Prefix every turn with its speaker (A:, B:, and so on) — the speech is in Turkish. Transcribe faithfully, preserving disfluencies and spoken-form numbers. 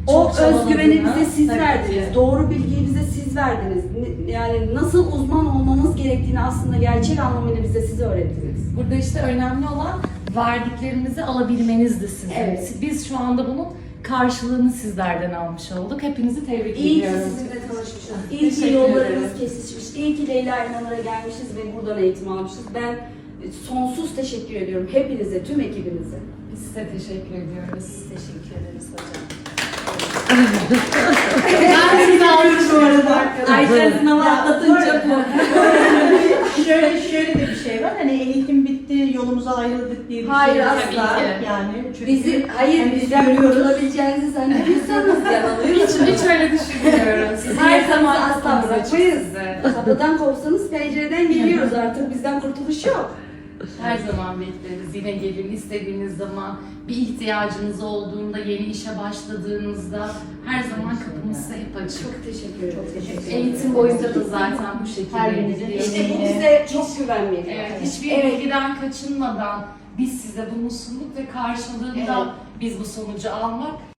A: O
B: Çok
A: özgüveni bize
B: çabaladığını,
A: siz
B: tabii
A: verdiniz.
B: ki.
A: Doğru bilgiyi bize siz verdiniz. Ne- Yani nasıl uzman olmamız gerektiğini aslında gerçek anlamıyla bize siz öğrettiniz.
B: Burada işte önemli olan verdiklerimizi alabilmenizdi sizin.
A: Evet.
B: Biz şu anda bunun karşılığını sizlerden almış olduk. Hepinizi tebrik
A: İyi ki
B: ediyorum.
A: sizinle tanışmışız. İyi ki
B: Teşekkür
A: yollarımız
B: ederim.
A: kesişmiş. İyi ki Leyla İnanır'a gelmişiz ve buradan eğitim almışız. Ben sonsuz teşekkür ediyorum hepinize, tüm ekibinize.
B: Biz size teşekkür ediyoruz.
A: Teşekkür ederiz hocam.
B: Ben sizi almış bu arada arkadaşlar.
A: Ayşe sınavı
C: Ya,
A: atlatınca bu.
C: şöyle şöyle de bir şey var. Hani eğitim bitti, yolumuza ayrıldık diye bir
A: Hayır,
C: şey
A: asla.
C: asla.
B: Tabii ki.
C: Yani çünkü
A: Bizi, hayır
C: hani biz
A: bizden
C: görüyoruz.
A: kurtulabileceğinizi zannediyorsanız
B: Hiç,
A: yanılıyorsunuz.
B: hiç öyle düşünmüyoruz.
A: Sizi
B: Her
A: her
B: zaman
A: zaman asla
B: kapımız açık
A: bırakmayız.
B: size.
A: Kapıdan kopsanız pencereden geliyoruz artık. Bizden kurtuluş yok.
B: Her zaman bekleriz. Yine gelin istediğiniz zaman, bir ihtiyacınız olduğunda, yeni işe başladığınızda her zaman kapımız size hep açık.
A: Çok teşekkür ederim. Çok teşekkür ederim.
B: Eğitim boyunca da zaten bu şekilde
C: Her birinizin
B: gidiyor.
A: İşte bu
C: Yine-
A: bize çok güven veriyor.
B: Evet, hiçbir
A: Evet.
B: bilgiden kaçınmadan biz size bunu sunduk ve karşılığında
A: Evet.
B: biz bu sonucu almak